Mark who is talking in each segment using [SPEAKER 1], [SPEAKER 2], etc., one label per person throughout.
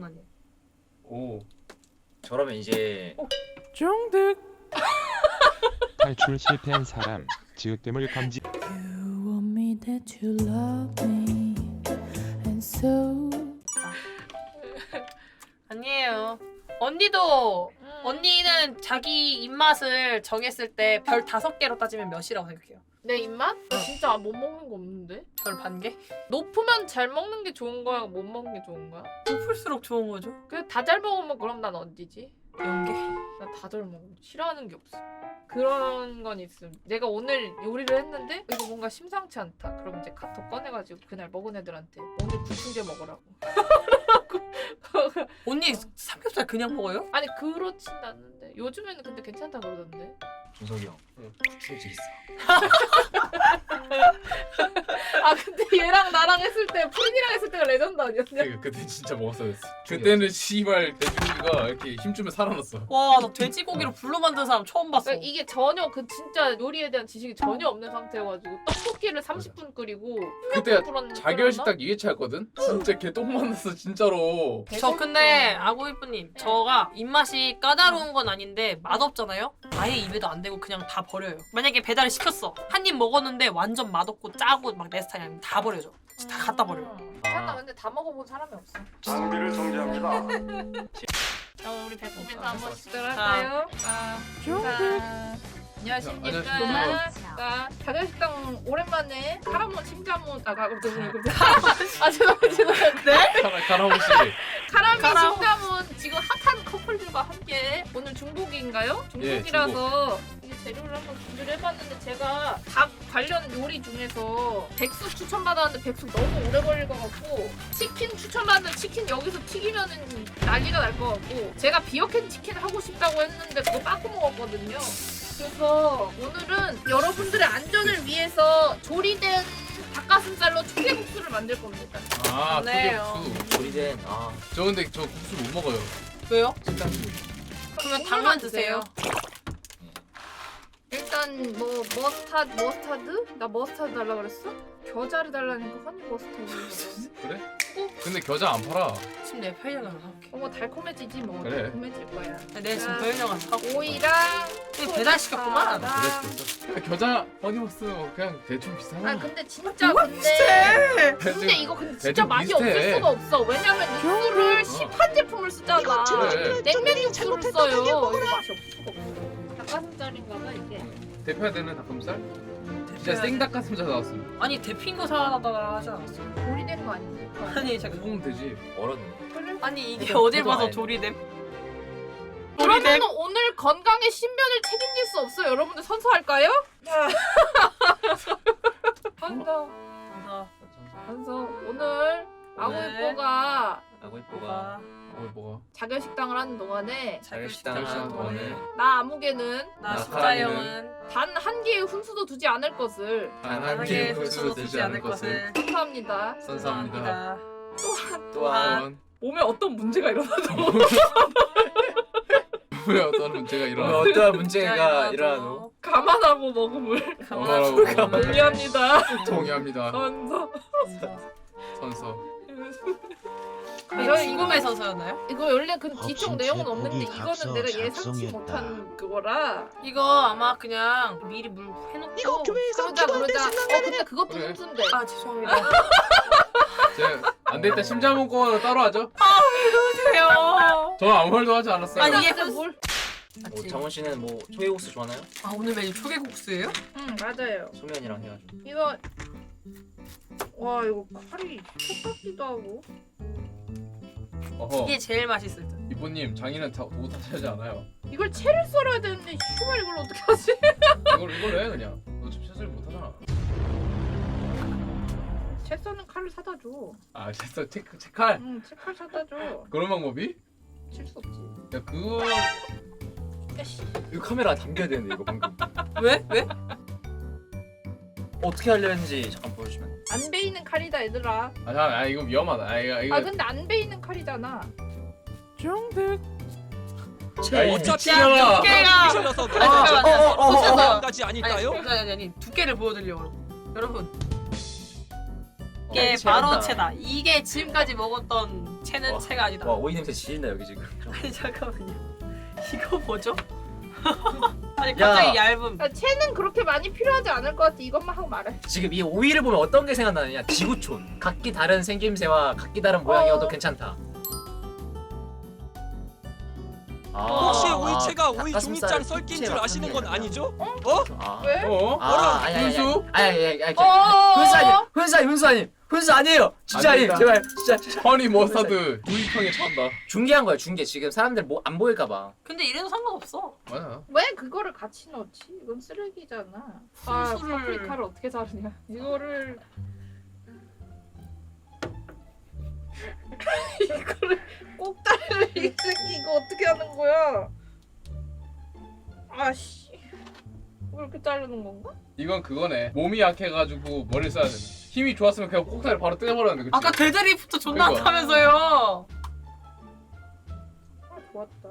[SPEAKER 1] 아니에요.
[SPEAKER 2] 오. 저러면 이제
[SPEAKER 3] 정득.
[SPEAKER 4] 탈출 실패한 사람 지읒됨을 감지.
[SPEAKER 3] You want me that you love me and so.
[SPEAKER 1] 아니에요. 언니도 언니는 자기 입맛을 정했을 때 별 5개로 따지면 몇이라고 생각해요?
[SPEAKER 5] 내 입맛? 나 진짜 못 먹는 거 없는데?
[SPEAKER 1] 별 반 개?
[SPEAKER 5] 높으면 잘 먹는 게 좋은 거야? 못 먹는 게 좋은 거야?
[SPEAKER 1] 높을수록 좋은 거죠.
[SPEAKER 5] 그래 다 잘 먹으면 그럼 난 어디지?
[SPEAKER 1] 0개.
[SPEAKER 5] 나 다 잘 먹어. 싫어하는 게 없어. 그런 건 있음. 내가 오늘 요리를 했는데 이거 뭔가 심상치 않다. 그럼 이제 카톡 꺼내가지고 그날 먹은 애들한테 오늘 불충제 먹으라고.
[SPEAKER 1] 언니 삼겹살 그냥 먹어요?
[SPEAKER 5] 아니 그렇진 않는데 요즘에는 근데 괜찮다 그러던데.
[SPEAKER 2] 준석이 형. 구슬질 있어.
[SPEAKER 5] 아 근데 얘랑 나랑 했을 때 프린이랑 했을 때가 레전드 아니었냐?
[SPEAKER 6] 그때 진짜 먹었어야 됐어. 그때는 씨발 돼지고기가 이렇게 힘주면 살아났어.
[SPEAKER 1] 와, 나 돼지고기로 불로 만든 사람 처음 봤어.
[SPEAKER 5] 그러니까 이게 전혀 그 진짜 요리에 대한 지식이 전혀 없는 상태여가지고 떡볶이를 30분 끓이고
[SPEAKER 6] 그때
[SPEAKER 5] 끓였나?
[SPEAKER 6] 자결식 딱 2회차였거든? 진짜 개똥 만났어 진짜로.
[SPEAKER 1] 저 근데 아고이프님 저가 입맛이 까다로운 건 아닌데 맛없잖아요? 아예 입에도 안 대고 그냥 다 버려요. 만약에 배달을 시켰어. 한 입 먹었는데 완전 맛없고 짜고 막 내 스타일이 아니면 다 버려줘. 다 갖다 버려요.
[SPEAKER 5] 괜찮아 근데 다 먹어본 사람이 없어.
[SPEAKER 7] 장비를 정지합니다.
[SPEAKER 5] 자 우리 배꼽 인사 한번
[SPEAKER 6] 아,
[SPEAKER 5] 시작할까요?
[SPEAKER 3] 정득.
[SPEAKER 5] 안녕하십니까.
[SPEAKER 6] 안녕하십니까.
[SPEAKER 5] 자, 자결식당 오랜만에 카라몬 심자몬 죄송해요. 네?
[SPEAKER 6] 가라오 씨.
[SPEAKER 5] 카라미
[SPEAKER 1] 카라오.
[SPEAKER 5] 심자몬 지금 핫한 커플들과 함께 오늘 중복인가요? 중복이라서 이게 재료를 한번 준비를 해봤는데 제가 닭 관련 요리 중에서 백숙 추천받았는데 백숙 너무 오래 걸릴 것 같고 치킨 추천받았는데 치킨 여기서 튀기면은 난리가 날 것 같고 제가 비어캔 치킨 하고 싶다고 했는데 그거 빠꾸 먹었거든요. 그래서 오늘은 여러분들의 안전을 위해서 조리된 닭가슴살로 초계국수를 만들 겁니다.
[SPEAKER 6] 아
[SPEAKER 1] 좋네요.
[SPEAKER 6] 초계국수.
[SPEAKER 2] 조리된
[SPEAKER 6] 저 근데 저 국수 못 먹어요.
[SPEAKER 1] 왜요?
[SPEAKER 6] 진짜.
[SPEAKER 1] 그러면 닭만 드세요.
[SPEAKER 5] 일단 뭐 머스타드? 나 머스타드 달라 그랬어? 겨자를 달라니까 허니 머스타드.
[SPEAKER 6] 그래? 근데 겨자 안 팔아.
[SPEAKER 1] 지금 내 편의점 가서 사올게.
[SPEAKER 5] 뭐 달콤해지지 뭐.
[SPEAKER 6] 그래.
[SPEAKER 5] 달콤해질 거야.
[SPEAKER 1] 내 지금 편의점 가서 사올게.
[SPEAKER 5] 오이랑
[SPEAKER 1] 이거 배달시켰구만.
[SPEAKER 6] 그랬어. 겨자 허니버스 그냥 대충 비슷하나?
[SPEAKER 5] 아 근데 진짜 근데 이거 근데 진짜
[SPEAKER 6] 대충
[SPEAKER 5] 맛이
[SPEAKER 6] 비슷해.
[SPEAKER 5] 없을 수가 없어. 왜냐면 육수를 시판 제품을 쓰잖아.
[SPEAKER 6] 그래.
[SPEAKER 5] 냉면 육수를 써요. 이거 맛이 없을 수가 없어. 닭가슴살인가봐 이게.
[SPEAKER 6] 대표야 되는 닭가슴살? 진짜 생 닭가슴살 나왔어.
[SPEAKER 1] 아니 데핀 거 사다가 하지 않았어?
[SPEAKER 5] 조리된 거 아니니까.
[SPEAKER 1] 아니 잠깐.
[SPEAKER 6] 먹으면 되지.
[SPEAKER 2] 얼었네.
[SPEAKER 1] 아니 이게
[SPEAKER 2] 그래도
[SPEAKER 1] 어딜 봐서
[SPEAKER 2] 아니야.
[SPEAKER 1] 조리됨?
[SPEAKER 5] 그러면 오늘 건강의 신변을 책임질 수 없어요. 여러분들 선서할까요? 선서. 선서. 오늘 아구이뽀가
[SPEAKER 2] 아고 이뻐가.
[SPEAKER 6] 뭐가?
[SPEAKER 5] 자결식당을 하는 동안에
[SPEAKER 2] 자결식당을 하는 동안에
[SPEAKER 5] 나 아무개는
[SPEAKER 1] 나
[SPEAKER 6] 나카라미는
[SPEAKER 1] 십자형은
[SPEAKER 5] 단 한 개의 훈수도 두지 않을 것을
[SPEAKER 6] 단한
[SPEAKER 1] 개의
[SPEAKER 6] 개의
[SPEAKER 1] 훈수도
[SPEAKER 6] 후수도
[SPEAKER 1] 두지 않을 것을
[SPEAKER 5] 선서합니다.
[SPEAKER 6] 선사합니다.
[SPEAKER 2] 또한
[SPEAKER 5] 몸에 어떤 문제가 일어나도
[SPEAKER 6] 왜 어떤 문제가
[SPEAKER 2] 오늘
[SPEAKER 6] 일어나?
[SPEAKER 2] 어떠한 문제가 일어나도
[SPEAKER 5] 감안하고 먹음을
[SPEAKER 6] 감안하고
[SPEAKER 5] 동의합니다.
[SPEAKER 6] 동의합니다.
[SPEAKER 5] 선서.
[SPEAKER 6] 선서.
[SPEAKER 1] 이거 죽음의 서서였나요?
[SPEAKER 5] 이거 원래 그 뒤쪽
[SPEAKER 8] 헛심치
[SPEAKER 5] 내용은 없는데
[SPEAKER 8] 고기
[SPEAKER 5] 이거는 내가 예상치
[SPEAKER 8] 각성했다.
[SPEAKER 5] 못한 그거라.
[SPEAKER 1] 이거 아마 그냥 미리 물 해놓고
[SPEAKER 5] 그러자. 근데 그것도
[SPEAKER 6] 그래.
[SPEAKER 5] 훈수인데.
[SPEAKER 1] 아 죄송합니다.
[SPEAKER 6] 안 되겠다. 심자몬 거 따로 하죠.
[SPEAKER 1] 그러세요.
[SPEAKER 6] 저 아무 말도 하지 않았어요.
[SPEAKER 1] 아니, 이게
[SPEAKER 5] 근데 뭘?
[SPEAKER 2] 뭐 정원 씨는 뭐 초계국수 좋아하나요?
[SPEAKER 1] 아 오늘 메뉴 초계국수예요?
[SPEAKER 5] 응 맞아요.
[SPEAKER 2] 소면이랑 해가지고.
[SPEAKER 5] 이거 와 이거 칼이 촉박기도 하고.
[SPEAKER 6] 어허.
[SPEAKER 1] 이게 제일 맛있을 듯.
[SPEAKER 6] 이모님 장인은 다 도구 탓하지 않아요.
[SPEAKER 5] 이걸 채를 썰어야 되는데 휴발 이걸 어떻게 하지?
[SPEAKER 6] 이걸로 해 그냥. 너 지금 샷을 못 하잖아.
[SPEAKER 5] 채 써는 칼을 사다 줘.
[SPEAKER 6] 아 됐어. 체칼.
[SPEAKER 5] 응, 채칼 사다 줘.
[SPEAKER 6] 그런 방법이?
[SPEAKER 5] 칠 수 없지.
[SPEAKER 6] 야 그거
[SPEAKER 2] 이거 카메라 담겨야 되는데 이거 방금.
[SPEAKER 1] 왜? 왜?
[SPEAKER 2] 어떻게 하려 했는지 잠깐 보여주시면.
[SPEAKER 5] 안 베이는 칼이다 얘들아.
[SPEAKER 6] 아 이거 위험하다. 이거.
[SPEAKER 5] 아 근데 안 베이는 칼이잖아.
[SPEAKER 3] 정득.
[SPEAKER 6] 야, 이
[SPEAKER 8] 어차피
[SPEAKER 6] 미친년아.
[SPEAKER 1] 두께가
[SPEAKER 8] 틀려서
[SPEAKER 1] 잠깐만요.
[SPEAKER 8] 까지 아닐까요?
[SPEAKER 1] 아니 두께를 보여드리려고 여러분.
[SPEAKER 2] 어,
[SPEAKER 1] 이게
[SPEAKER 2] 채란다.
[SPEAKER 1] 바로 채다. 이게 지금까지 먹었던 채는 채가 아니다.
[SPEAKER 2] 와 오이 냄새 지린다 여기 지금.
[SPEAKER 1] 아니 잠깐만요. 이거 뭐죠? 아니 갑자기 얇음.
[SPEAKER 5] 야, 채는 그렇게 많이 필요하지 않을 것 같아. 이것만 하고 말해.
[SPEAKER 2] 지금 이 오이를 보면 어떤 게 생각나느냐? 지구촌. 각기 다른 생김새와 각기 다른 모양이어도 괜찮다.
[SPEAKER 7] 혹시 오이채가 오이
[SPEAKER 2] 닭가슴살
[SPEAKER 7] 종이장 썰긴 줄
[SPEAKER 2] 부채
[SPEAKER 7] 아시는 건
[SPEAKER 2] 같은 게
[SPEAKER 7] 아니죠?
[SPEAKER 2] 아.
[SPEAKER 5] 왜?
[SPEAKER 6] 어?
[SPEAKER 2] 훈수? 아니
[SPEAKER 5] 어어어.
[SPEAKER 2] 훈수 아니에요. 진짜
[SPEAKER 6] 안
[SPEAKER 2] 아니에요.
[SPEAKER 6] 된다.
[SPEAKER 2] 제발 진짜.
[SPEAKER 6] 허니 머스타드 구이탕에 찬다.
[SPEAKER 2] 중계한 거야 중계. 지금 사람들 뭐 안 보일까 봐.
[SPEAKER 1] 근데 이래도 상관없어.
[SPEAKER 6] 맞아.
[SPEAKER 5] 왜 그거를 같이 넣지? 이건 쓰레기잖아. 아,
[SPEAKER 1] 훈수를-
[SPEAKER 5] 파프리카를 어떻게 자르냐? 이거를 이거를 꼭다리를 이 새끼 이거 어떻게 하는 거야? 아씨, 왜 이렇게 자르는 건가?
[SPEAKER 6] 이건 그거네. 몸이 약해가지고 머리를 써야 되네. 힘이 좋았으면 그냥 꼭다리 바로 떼버렸는데 그치?
[SPEAKER 1] 아까 데드리프트 존나
[SPEAKER 6] 그러니까.
[SPEAKER 1] 한다면서요.
[SPEAKER 5] 아 좋았다.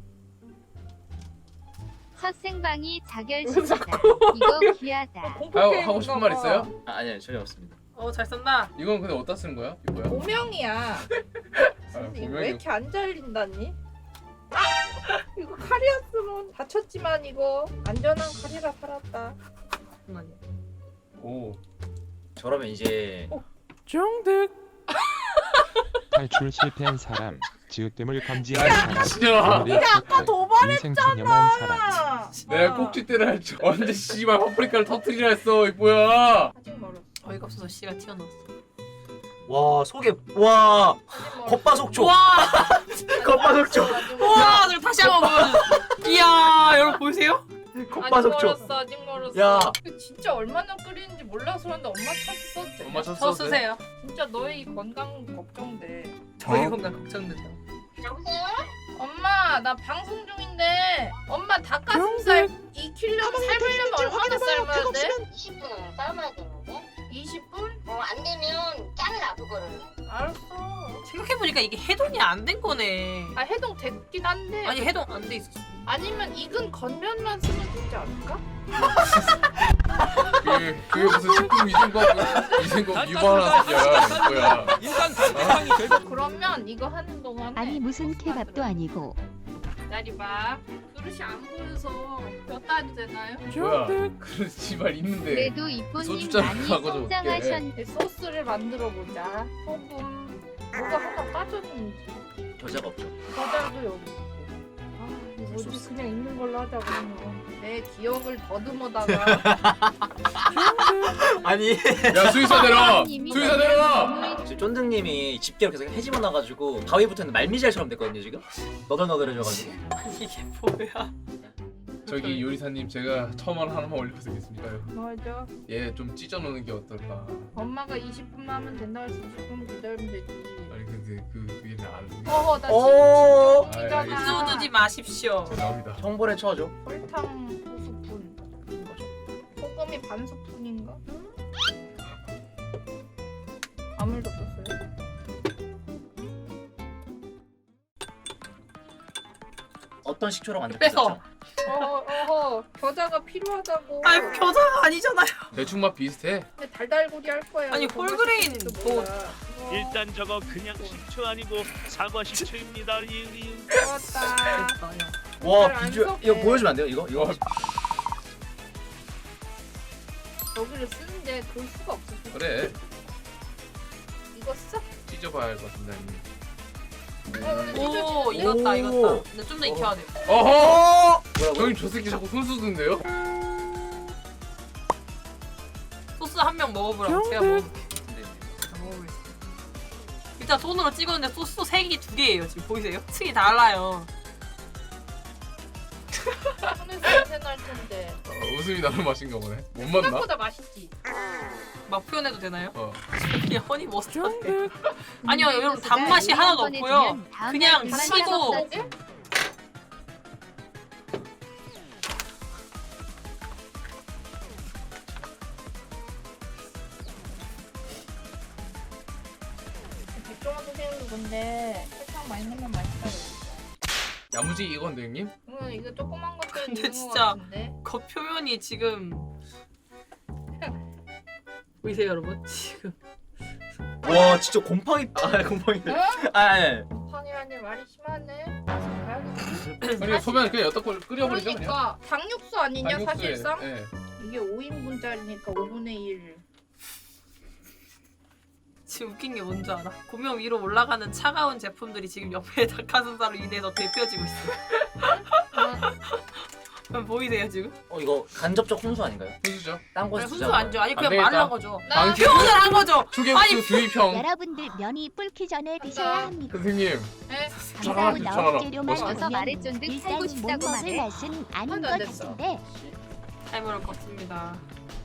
[SPEAKER 8] 첫 생방이
[SPEAKER 5] 왜
[SPEAKER 8] 자결식이다. 이거 귀하다.
[SPEAKER 6] 하고 싶은 말 있어요?
[SPEAKER 2] 아니요 전혀 없습니다.
[SPEAKER 1] 잘 쓴다.
[SPEAKER 6] 이건 근데 어디다 쓰는 거야? 이거야?
[SPEAKER 5] 보명이야.
[SPEAKER 6] 아,
[SPEAKER 5] 근데 이거
[SPEAKER 6] 보명이-
[SPEAKER 5] 왜 이렇게 안 잘린다니? 아! 이거 칼이었으면 다쳤지만 이거 안전한 칼이라 살았다.
[SPEAKER 1] 잠깐만요.
[SPEAKER 6] 오.
[SPEAKER 2] 저러면 이제
[SPEAKER 3] 중득
[SPEAKER 4] 탈출 실패한 사람, 지읒됨을 감지한
[SPEAKER 6] 야,
[SPEAKER 4] 사람,
[SPEAKER 6] 진짜.
[SPEAKER 4] 오늘의
[SPEAKER 5] 아까
[SPEAKER 4] 조건, 인생 체념한 사람.
[SPEAKER 5] 아,
[SPEAKER 6] 내가 꼭지대를 할 줄 언제 씨발 파프리카를 터트리라 했어 이 뭐야?
[SPEAKER 5] 아직 멀었어.
[SPEAKER 1] 어이가 없어서 씨가 튀어나왔어.
[SPEAKER 2] 와 속에 와
[SPEAKER 5] 아직 멀었어.
[SPEAKER 2] 겉바속촉.
[SPEAKER 1] 와,
[SPEAKER 2] 겉바속촉.
[SPEAKER 5] 아직 멀었어.
[SPEAKER 1] 와, 저 다시 한번 보여줘. 이야, 여러분 보이세요?
[SPEAKER 5] 아직
[SPEAKER 2] 겉바속촉.
[SPEAKER 5] 멀었어. 아직 멀었어.
[SPEAKER 2] 야.
[SPEAKER 5] 이거 진짜 얼마나 끓이는지 몰라서 그런데 엄마 찾았어.
[SPEAKER 6] 엄마 쳤어.
[SPEAKER 1] 저 쓰세요.
[SPEAKER 5] 진짜 너의 건강 걱정돼.
[SPEAKER 1] 저희 건강 걱정된다.
[SPEAKER 5] 엄마 나 방송 중인데 엄마 닭가슴살 익히려면 삶으려면 얼마나 삶아야 돼?
[SPEAKER 9] 20분 삶아야 되는데
[SPEAKER 5] 20분?
[SPEAKER 9] 안 되면 잘라 그거를.
[SPEAKER 5] 알았어.
[SPEAKER 1] 생각해보니까 이게 해동이 안 된 거네.
[SPEAKER 5] 아 해동 됐긴 한데
[SPEAKER 1] 아니 해동 안 돼 있었어.
[SPEAKER 5] 아니면 익은 겉면만 쓰면 되지 않을까?
[SPEAKER 6] 그게 무슨 식품 위생법 위반하는 소리야 뭐야?
[SPEAKER 7] 일단 달팽이 결국
[SPEAKER 5] 그러면 이거 하는 동안에
[SPEAKER 8] 아니 무슨 케밥도 아니고
[SPEAKER 5] 기다려봐. 그릇이 안 보여서 몇 달이 되나요?
[SPEAKER 6] 뭐야? 그런 씨발 있는데.
[SPEAKER 8] 그래도 이쁜님
[SPEAKER 6] 소주잔
[SPEAKER 8] 많이
[SPEAKER 6] 하고 좀
[SPEAKER 8] 성장하셨.
[SPEAKER 5] 이 소스를 만들어 보자. 소금 뭐가 하나 빠졌는지.
[SPEAKER 2] 겨자가 없죠.
[SPEAKER 5] 과자도 여기 있고. 아 이거 뭐지 그냥 있는 걸로 하자 그러면. 내 기억을 더듬어다가
[SPEAKER 2] 아니
[SPEAKER 6] 야 수의사 내려. 수의사 내려.
[SPEAKER 2] 지금 쫀득님이 집게로 계속 헤집어 놔가지고 가위부터는 말미잘처럼 됐거든요 지금. 너덜너덜해져가지고.
[SPEAKER 1] 아니 이게 뭐야?
[SPEAKER 6] 저기 요리사님 제가 처음 하나만 올려드리겠습니까요?
[SPEAKER 5] 맞아.
[SPEAKER 6] 얘 좀 찢어놓는 게 어떨까?
[SPEAKER 5] 엄마가 20분만 하면 된다고 해서 20분 기다리면 되지.
[SPEAKER 6] 아니 근데 그 얘는 안.
[SPEAKER 5] 어허 나
[SPEAKER 2] 오.
[SPEAKER 5] 지금
[SPEAKER 6] 아, 알겠습니다.
[SPEAKER 1] 수 두지 마십시오.
[SPEAKER 6] 죄송합니다.
[SPEAKER 2] 형벌에 쳐줘.
[SPEAKER 5] 설탕 5스푼. 소금이 반 스푼인가? 아무 일도 없었어요.
[SPEAKER 2] 어떤 식초로
[SPEAKER 1] 뺏어.
[SPEAKER 2] 만들었죠?
[SPEAKER 5] 어허 겨자가 필요하다고.
[SPEAKER 1] 아니 겨자가 아니잖아요.
[SPEAKER 6] 대충 맛 비슷해.
[SPEAKER 5] 근데 달달구리 할 거야.
[SPEAKER 1] 아니,
[SPEAKER 5] 더
[SPEAKER 1] 홀그레인
[SPEAKER 5] 맛있을지도
[SPEAKER 1] 뭐-
[SPEAKER 5] 몰라.
[SPEAKER 10] 일단 저거 그냥 식초 아니고 사과 식초입니다. 리으리으.
[SPEAKER 5] 좋았다.
[SPEAKER 2] 와
[SPEAKER 5] 안
[SPEAKER 2] 비주얼
[SPEAKER 5] 섞여.
[SPEAKER 2] 이거 보여주면 안 돼요? 이거?
[SPEAKER 5] 여기를 쓰는데 그럴 수가 없어.
[SPEAKER 6] 그래.
[SPEAKER 5] 이거 써?
[SPEAKER 6] 찢어봐야 할 것 같은데. 아니면.
[SPEAKER 1] 오 익었다
[SPEAKER 2] 오.
[SPEAKER 1] 익었다. 근데 좀 더 익혀야 돼.
[SPEAKER 6] 어허!
[SPEAKER 2] 뭐라고?
[SPEAKER 6] 형님 저 새끼 자꾸 손 쓰던데요?
[SPEAKER 1] 소스 한 명 먹어보라고. 제가 먹어볼게. 제가 먹어보겠습니다. 일단 손으로 찍었는데 소스 3개 2개예요. 지금 보이세요? 층이 달라요.
[SPEAKER 5] 손에서 냄새 날 텐데.
[SPEAKER 6] 웃음이 나는 맛인가 보네. 못 맞나?
[SPEAKER 5] 생각보다 맛있지.
[SPEAKER 1] 막 표현해도 되나요?
[SPEAKER 6] 어.
[SPEAKER 1] 그냥 허니 머스타드. 아니요 여러분 단맛이 하나도 없고요. 그냥 시고
[SPEAKER 5] 백종원 선생님도 근데 설탕 많이 넣으면 맛있다.
[SPEAKER 6] 야무지 이건데 형님?
[SPEAKER 5] 응 이거 조그만 것들
[SPEAKER 1] 근데
[SPEAKER 5] 있는 것
[SPEAKER 1] 진짜
[SPEAKER 5] 같은데.
[SPEAKER 1] 겉 표면이 지금 보이세요 여러분? 지금
[SPEAKER 2] 와 진짜 곰팡이 곰팡이. 아
[SPEAKER 5] 팡이라니 말이 심하네.
[SPEAKER 6] 아니 소면 그냥 여기다 끓여버리죠 그냥.
[SPEAKER 5] 그러니까 당육수 아니냐
[SPEAKER 6] 당육수에,
[SPEAKER 5] 사실상?
[SPEAKER 6] 예.
[SPEAKER 5] 이게 5인분짜리니까 5분의 1.
[SPEAKER 1] 지금 웃긴 게 뭔지 알아? 고명 위로 올라가는 차가운 제품들이 지금 옆에 닭가슴살로 인해서 데펴지고 있어. 그럼 보이세요 지금?
[SPEAKER 2] 이거 간접적 훈수 아닌가요?
[SPEAKER 6] 훈수죠.
[SPEAKER 2] 딴
[SPEAKER 1] 아니,
[SPEAKER 2] 곳에
[SPEAKER 1] 훈수 안 줘. 아니 그냥
[SPEAKER 6] 되겠다.
[SPEAKER 1] 말란 거죠.
[SPEAKER 5] 나
[SPEAKER 1] 표현을 한 거죠.
[SPEAKER 6] 초계국수 주의평.
[SPEAKER 8] 여러분들 면이 불기 전에 드셔야 합니다.
[SPEAKER 6] 선생님.
[SPEAKER 5] 에?
[SPEAKER 6] 잠깐만,
[SPEAKER 8] 감사하고
[SPEAKER 6] 잠깐만.
[SPEAKER 8] 나온 재료만
[SPEAKER 6] 어서
[SPEAKER 8] 넣으면
[SPEAKER 9] 말해 쫀득 살고
[SPEAKER 8] 일단 못
[SPEAKER 9] 싶다고
[SPEAKER 8] 먹을
[SPEAKER 9] 말해.
[SPEAKER 8] 맛은 아닌
[SPEAKER 5] 하나도
[SPEAKER 8] 것
[SPEAKER 5] 안 됐어.
[SPEAKER 8] 같은데
[SPEAKER 1] 타이머를 껐습니다.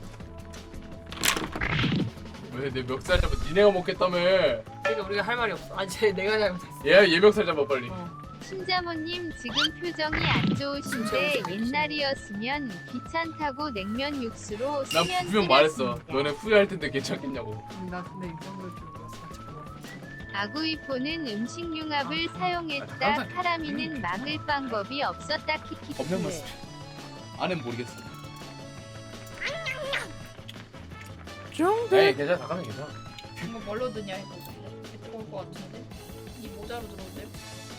[SPEAKER 6] 왜 내 멱살 잡아? 니네가 먹겠다며.
[SPEAKER 1] 그러니까 우리가 할 말이 없어. 아니 내가 잘못했어.
[SPEAKER 6] 얘 멱살 잡아 빨리.
[SPEAKER 8] 신자모님 지금 표정이 안 좋으신데 옛날이었으면 기찬타고 냉면 육수로
[SPEAKER 6] 난
[SPEAKER 8] 수면
[SPEAKER 6] 분명 말했어.
[SPEAKER 8] 끓였습니다.
[SPEAKER 6] 너네 후회할 텐데 괜찮겠냐고.
[SPEAKER 1] 나 근데 이 정도일 줄 몰랐어. 잠깐만.
[SPEAKER 8] 아구이포는 음식융합을 사용했다.
[SPEAKER 6] 항상
[SPEAKER 8] 카라미는 막을 방법이 없었다.
[SPEAKER 6] 없는
[SPEAKER 8] 키키키.
[SPEAKER 6] 모습. 안엔 모르겠어. 에이 괜찮아. 잠깐만 괜찮아.
[SPEAKER 5] 이거 뭘로 드냐 이거. 좋을 것 같은데. 이 모자로 들어오세요?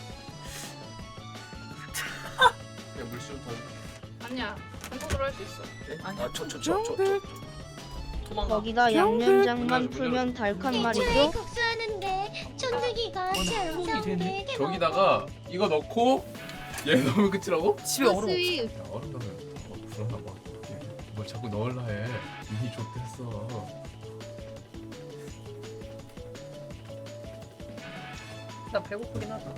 [SPEAKER 6] 그냥 물좀 더.
[SPEAKER 5] 아니야. 한국으로 할 수 있어.
[SPEAKER 2] 아저저저
[SPEAKER 1] 도망가.
[SPEAKER 11] 거기다 양념장만 풀면 달칸 말이죠.
[SPEAKER 9] 국수하는데 쫀득이가
[SPEAKER 1] 손이 되네.
[SPEAKER 6] 저기다가 이거 넣고 얘 넣으면 끝이라고?
[SPEAKER 1] 집에 얼어.
[SPEAKER 8] 소스의
[SPEAKER 6] 야, 얼음 넣으면 불안나 봐. 뭘 자꾸 넣으려 해. 이미 좋댔어.
[SPEAKER 1] 나 배고프긴 하다.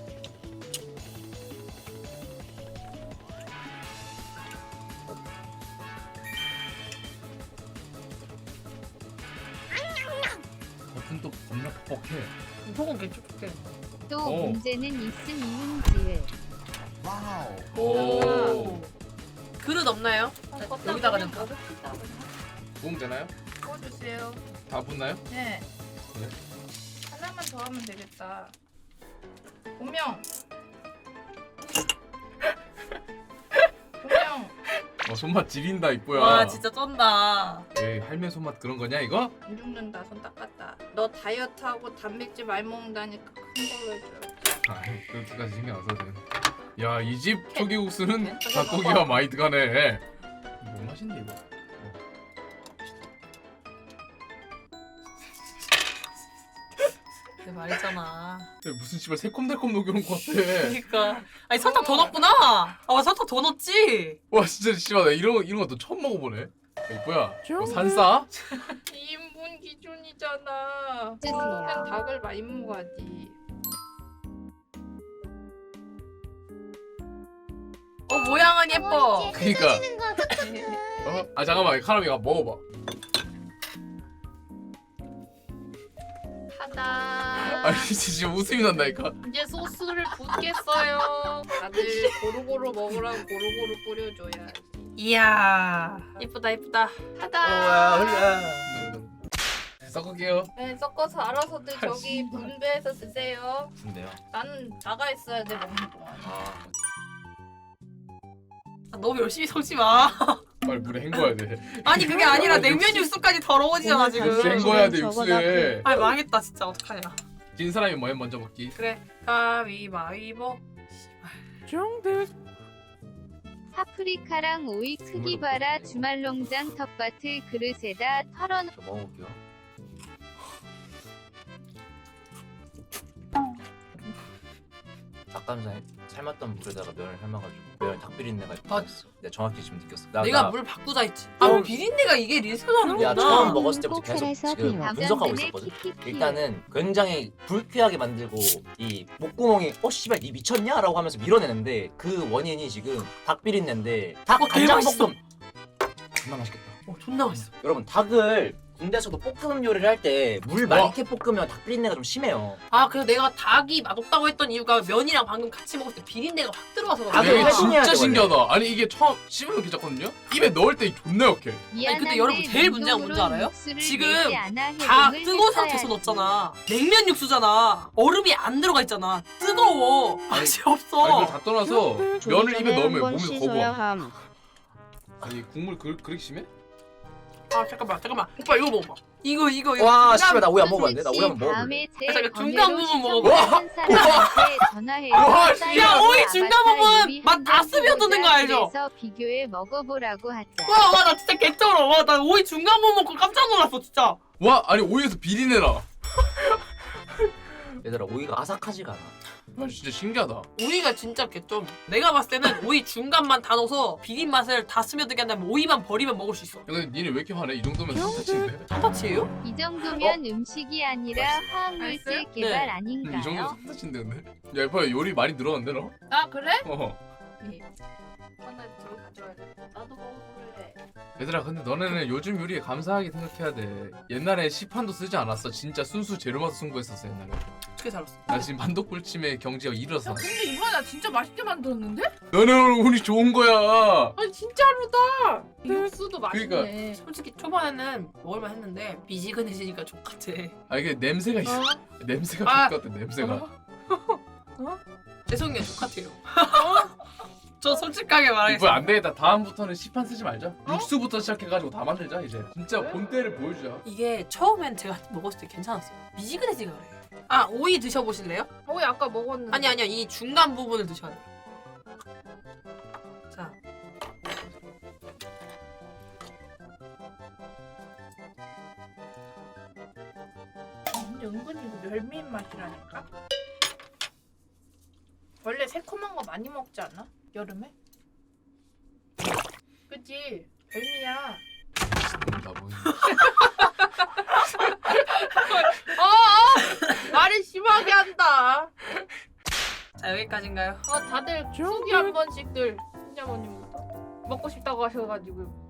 [SPEAKER 6] 겉은 또 겁나 퍽퍽해.
[SPEAKER 1] 속은 개쭉쭉해.
[SPEAKER 8] 또
[SPEAKER 6] 오.
[SPEAKER 8] 문제는 있음 이은지을.
[SPEAKER 6] 오.
[SPEAKER 1] 그릇 없나요? 여기다가 좀
[SPEAKER 5] 먹읍시다.
[SPEAKER 6] 부으면 되나요?
[SPEAKER 5] 구워주세요.
[SPEAKER 6] 다 붓나요?
[SPEAKER 5] 네.
[SPEAKER 6] 네.
[SPEAKER 5] 하나만 더 하면 되겠다. 고명. 고명.
[SPEAKER 6] 손맛 지린다 이뻐야.
[SPEAKER 1] 와 진짜 쩐다.
[SPEAKER 6] 에이 할매 손맛 그런 거냐 이거?
[SPEAKER 5] 안 죽는다. 손 닦았다. 너 다이어트하고 단백질 많이 먹는다니까 큰 걸로 해줘야지.
[SPEAKER 6] 아이 그렇게까지 신경 안 써도 돼. 야이 집 초기국수는 닭고기와 많이 들어가네. 뭐 맛있네 이거.
[SPEAKER 1] 내가 말했잖아.
[SPEAKER 6] 야, 무슨 씨발 새콤달콤 녹여놓은 것 같아.
[SPEAKER 1] 그러니까. 아니 설탕 더 넣었구나. 아 설탕 더 넣었지.
[SPEAKER 6] 와 진짜 씨발 나 이런 것도 처음 먹어보네. 야, 이뻐야 뭐 산싸?
[SPEAKER 5] 2인분 기준이잖아.
[SPEAKER 8] 주세요.
[SPEAKER 5] 그냥 닭을 많이 먹어야지.
[SPEAKER 1] 모양은 예뻐.
[SPEAKER 6] 그니까 아 잠깐만 카라미가 먹어봐.
[SPEAKER 5] 하다.
[SPEAKER 6] 아니 진짜 지금 웃음이 난다니까.
[SPEAKER 5] 이제 소스를 붓겠어요. 다들 고루고루 먹으라고 고루고루 뿌려줘야.
[SPEAKER 1] 이야 예쁘다 예쁘다.
[SPEAKER 5] 하다.
[SPEAKER 6] 섞을게요.
[SPEAKER 5] 네, 섞어서 알아서들 저기 분배해서 드세요.
[SPEAKER 2] 근데요.
[SPEAKER 5] 나는 나가 있어야 돼 먹는 동안.
[SPEAKER 1] 너무 열심히 섞지 마.
[SPEAKER 6] 빨리 물에 헹궈야 돼.
[SPEAKER 1] 아니 그게 아니라 냉면 육수까지 더러워지잖아
[SPEAKER 6] 육수에
[SPEAKER 1] 지금.
[SPEAKER 6] 헹궈야 돼 육수에.
[SPEAKER 1] 아니 망했다 진짜 어떡하냐.
[SPEAKER 6] 진 사람이 뭐 먼저 먹기.
[SPEAKER 1] 그래 가위바위보.
[SPEAKER 8] 파프리카랑 오이 크기 봐라. 주말농장 텃밭을 그릇에다 털어놓.
[SPEAKER 2] 저 먹어볼게요. 닭가슴살 삶았던 물에다가 면을 삶아가지고 면 닭비린내가 있어. 내가 정확히 지금 느꼈어.
[SPEAKER 1] 내가 물 바꾸자 했지. 아 비린내가 이게 리스크라는
[SPEAKER 2] 야
[SPEAKER 1] 거구나.
[SPEAKER 2] 처음 먹었을 때부터
[SPEAKER 8] 꼭
[SPEAKER 2] 계속
[SPEAKER 8] 살아서
[SPEAKER 2] 지금
[SPEAKER 8] 배워.
[SPEAKER 2] 분석하고 있었거든. 일단은 굉장히 불쾌하게 만들고 이 목구멍이 씨발 니 미쳤냐? 라고 하면서 밀어내는데 그 원인이 지금 닭비린내인데 닭 간장볶음 존나 맛있겠다.
[SPEAKER 1] 존나 맛있어.
[SPEAKER 2] 여러분 닭을 군대에서도 볶음 요리를 할 때 물 많게 볶으면 닭 비린내가 좀 심해요.
[SPEAKER 1] 아 그래서 내가 닭이 맛없다고 했던 이유가 면이랑 방금 같이 먹을 때 비린내가 확 들어와서 그래.
[SPEAKER 2] 닭을
[SPEAKER 6] 이게
[SPEAKER 2] 해동해야
[SPEAKER 6] 진짜
[SPEAKER 2] 돼,
[SPEAKER 6] 신기하다. 아니 이게 처음 씹으면 괜찮거든요. 입에 넣을 때 존나 역해.
[SPEAKER 1] 아니 근데 여러분 제일 문제가 뭔지 알아요? 지금 다 뜨거운 상태에서 넣었잖아. 냉면 육수잖아. 얼음이 안 들어가 있잖아. 뜨거워. 맛이 없어.
[SPEAKER 6] 아니 이걸 다 떠나서 면을 입에 넣으면
[SPEAKER 11] 한번
[SPEAKER 6] 몸에서
[SPEAKER 11] 씻어야
[SPEAKER 6] 거부함.
[SPEAKER 11] 함.
[SPEAKER 6] 아니 국물 그렇게 심해?
[SPEAKER 1] 아 잠깐만 오빠 이거 먹어봐. 이거
[SPEAKER 2] 와
[SPEAKER 1] 중간-
[SPEAKER 2] 씨발 나 오이 안 먹어봤는데? 나 오이 한번 먹어볼래.
[SPEAKER 8] 다음에 제
[SPEAKER 1] 잠깐, 중간 부분
[SPEAKER 8] 번외로 시청한 사람한테 전화해서
[SPEAKER 2] 와,
[SPEAKER 1] 야, 오이 중간 부분 맛 다 스며드는 거 알죠?
[SPEAKER 8] 그래서 비교해 먹어보라고 하자.
[SPEAKER 1] 와 나 진짜 개쩔어. 와 나 오이 중간 부분 먹고 깜짝 놀랐어 진짜.
[SPEAKER 6] 와 아니 오이에서 비린내나.
[SPEAKER 2] 얘들아 오이가 아삭하지가 않아.
[SPEAKER 6] 와 진짜 신기하다.
[SPEAKER 1] 오이가 진짜 개쩔. 내가 봤을 때는 오이 중간만 다 넣어서 비린 맛을 다 스며들게 한 다음에 오이만 버리면 먹을 수 있어.
[SPEAKER 6] 야, 근데 니네 왜 이렇게 화내? 이 정도면 상타치인데?
[SPEAKER 1] 상타치예요?
[SPEAKER 8] 이 정도면 음식이 아니라 화학물질
[SPEAKER 5] 알았어요?
[SPEAKER 8] 개발
[SPEAKER 1] 네.
[SPEAKER 6] 이
[SPEAKER 8] 아닌가요?
[SPEAKER 6] 정도면 상타치인데 근데? 야 이봐 요리 많이 늘었는데 너?
[SPEAKER 5] 아 그래? 하나 들어줘야 돼. 나도 먹어볼래.
[SPEAKER 6] 얘들아 근데 너네는 요즘 요리에 감사하게 생각해야 돼. 옛날에 시판도 쓰지 않았어. 진짜 순수 재료만 승부했었어 옛날에.
[SPEAKER 1] 어떻게 살았어?
[SPEAKER 6] 나 지금 반독불침의 경지가 이르렀어.
[SPEAKER 5] 야 근데 이번에 나 진짜 맛있게 만들었는데?
[SPEAKER 6] 너네 오늘 운이 좋은 거야.
[SPEAKER 5] 아니 진짜로다. 육수도 맛있네.
[SPEAKER 6] 그러니까.
[SPEAKER 1] 솔직히 초반에는 먹을만 했는데 미지근해지니까 족같아.
[SPEAKER 6] 아 이게 냄새가 있어. 냄새가
[SPEAKER 1] 아.
[SPEAKER 6] 좋을 것 같아 냄새가.
[SPEAKER 1] 죄송해요 족같아요. 저 솔직하게
[SPEAKER 6] 이거
[SPEAKER 1] 말하겠습니다.
[SPEAKER 6] 안 되겠다. 다음부터는 시판 쓰지 말자. 육수부터 시작해가지고 다 만들자 이제. 진짜
[SPEAKER 5] 왜?
[SPEAKER 6] 본때를 보여주자.
[SPEAKER 1] 이게 처음엔 제가 먹었을 때 괜찮았어요. 미지근해지가 그래. 아 오이 드셔보실래요?
[SPEAKER 5] 오이 아까 먹었는데.
[SPEAKER 1] 아니요 이 중간 부분을 드셔야 돼요. 자
[SPEAKER 5] 은근히 이거 멸미인 맛이라니까. 원래 새콤한 거 많이 먹지 않아? 여름에? 그치? 별미야.
[SPEAKER 6] 나 뭐.
[SPEAKER 5] 말을 심하게 한다.
[SPEAKER 1] 자 여기까지인가요?
[SPEAKER 5] 다들 수기 한 번씩들 신자모님부터 먹고 싶다고 하셔가지고.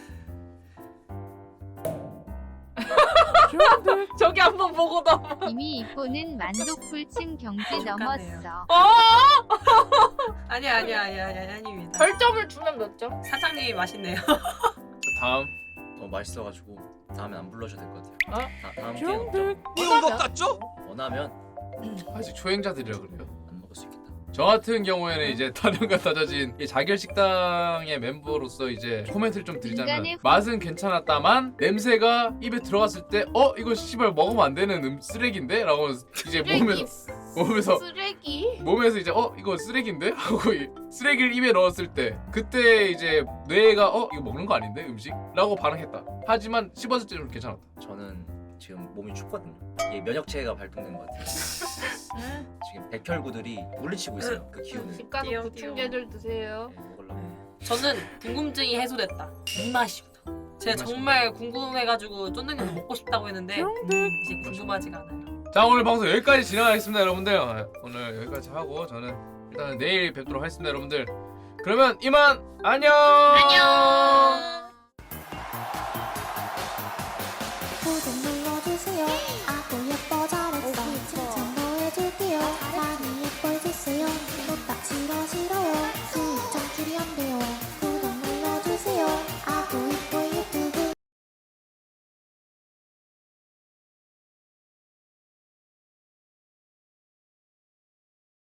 [SPEAKER 5] 저기 한번 보고 넘어.
[SPEAKER 8] 이미 이뽀는 만독불침 경지 넘었어.
[SPEAKER 1] 아니야 아닙니다.
[SPEAKER 5] 별점을 주면 몇 점?
[SPEAKER 1] 사장님이 맛있네요.
[SPEAKER 6] 다음.
[SPEAKER 2] 너무 맛있어가지고 다음엔 안 불러줘도 될 것 같아요.
[SPEAKER 5] 어?
[SPEAKER 2] 다음 기회 없죠?
[SPEAKER 7] 이런 것 같죠?
[SPEAKER 2] 원하면
[SPEAKER 6] 아직 초행자들이라 그래요.
[SPEAKER 2] 안 먹을 수 있겠다.
[SPEAKER 6] 저 같은 경우에는 이제 타령과 다져진 이 자결 식당의 멤버로서 이제 코멘트를 좀 드리자면
[SPEAKER 8] 인간의
[SPEAKER 6] 맛은 괜찮았다만 냄새가 입에 들어갔을 때 이거 씨발 먹으면 안 되는 쓰레기인데? 라고 이제 몸에서
[SPEAKER 5] 쓰레기?
[SPEAKER 6] 몸에서 이제 이거 쓰레기인데? 하고 쓰레기를 입에 넣었을 때 그때 이제 뇌가 이거 먹는 거 아닌데 음식? 라고 반응했다. 하지만 씹었을 때는 괜찮았다.
[SPEAKER 2] 저는 지금 몸이 춥거든요. 이게 면역체계가 발동된 것 같아요. 지금 백혈구들이 물리치고 있어요. 그 기운을.
[SPEAKER 5] 집 가서
[SPEAKER 1] 띄엄,
[SPEAKER 5] 보충제들 드세요.
[SPEAKER 2] 네, 먹으려고.
[SPEAKER 1] 저는 궁금증이 해소됐다. 이 맛입니다. 제가
[SPEAKER 6] 이
[SPEAKER 1] 정말 궁금해가지고 쫀득이를 먹고 싶다고 했는데 이제 궁금하지가 않아요.
[SPEAKER 6] 자 오늘 방송 여기까지 진행하겠습니다 여러분들. 오늘 여기까지 하고 저는 일단 내일 뵙도록 하겠습니다 여러분들. 그러면 이만 안녕.
[SPEAKER 9] 구독 눌러주세요. 아구 예뻐